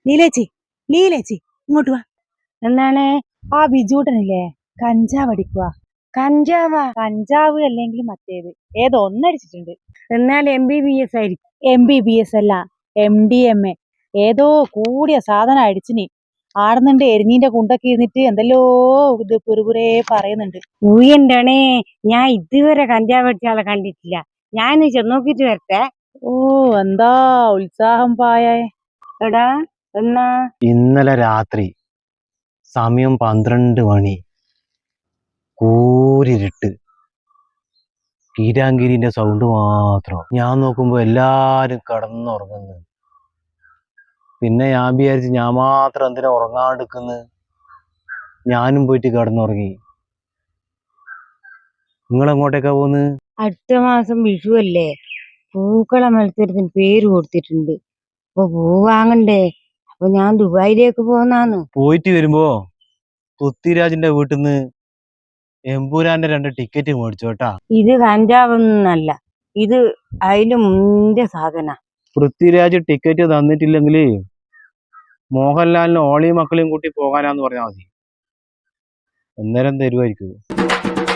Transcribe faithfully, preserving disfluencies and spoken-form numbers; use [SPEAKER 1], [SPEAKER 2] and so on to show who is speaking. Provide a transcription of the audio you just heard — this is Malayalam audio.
[SPEAKER 1] ലീലേച്ചി ലീലേച്ചി ഇങ്ങോട്ട് വാ. എന്താണ് ആ ബിജൂട്ടനില്ലേ കഞ്ചാവ് അടിക്കുക. കഞ്ചാവാ? കഞ്ചാവ് അല്ലെങ്കിൽ മറ്റേത് ഏതോ ഒന്നടിച്ചിട്ടുണ്ട്. എന്നാൽ എം ബി ബി എസ് ആയിരിക്കും. എം ബി ബി എസ് അല്ല, എം ഡി എം എ. ഏതോ കൂടിയ സാധനം അടിച്ചിനി. ആടുന്നുണ്ട് എരിഞ്ഞീന്റെ കുണ്ടൊക്കെ ഇരുന്നിട്ട് എന്തെല്ലോ ഇത് പുറുപുറേ പറയുന്നുണ്ട്. ഊയന്റണേ, ഞാൻ ഇതുവരെ കഞ്ചാവ് അടിച്ച ആളെ കണ്ടിട്ടില്ല. ഞാൻ ചെന്നോക്കിട്ട് വരട്ടെ. ഓ എന്താ ഉത്സാഹം പായേ. എടാ എന്നാ?
[SPEAKER 2] ഇന്നലെ രാത്രി സമയം പന്ത്രണ്ട് മണി, കൂരിരുട്ട്, കീരാങ്കിരിന്റെ സൗണ്ട് മാത്രം. ഞാൻ നോക്കുമ്പോ എല്ലാരും കിടന്നുറങ്ങുന്നു. പിന്നെ ഞാൻ വിചാരിച്ച് ഞാൻ മാത്രം എന്തിനാ ഉറങ്ങാണ്ടിരിക്കുന്നു. ഞാനും പോയിട്ട് കിടന്നുറങ്ങി. നിങ്ങൾ എങ്ങോട്ടേക്കാ പോന്ന്?
[SPEAKER 1] അടുത്ത മാസം വിഷു അല്ലേ, പൂക്കള മത്സരത്തിന് പേര് കൊടുത്തിട്ടുണ്ട്. അപ്പൊ പൂ വാങ്ങണ്ടേ, അപ്പൊ ഞാൻ ദുബായിലേക്ക് പോന്നാന്ന്.
[SPEAKER 2] പോയിട്ട് വരുമ്പോ പൃഥ്വിരാജിന്റെ വീട്ടിൽ നിന്ന് എമ്പൂരാന്റെ രണ്ട് ടിക്കറ്റ് മേടിച്ചോട്ടാ.
[SPEAKER 1] ഇത് കഞ്ചാവൊന്നല്ല, ഇത് അതിലും മുന്റെ സാധന.
[SPEAKER 2] പൃഥ്വിരാജ് ടിക്കറ്റ് തന്നിട്ടില്ലെങ്കിൽ മോഹൻലാലിന് ഓളിയും മക്കളെയും കൂട്ടി പോകാനാന്ന് പറഞ്ഞാൽ മതി, അന്നേരം തരുമായിരിക്കും.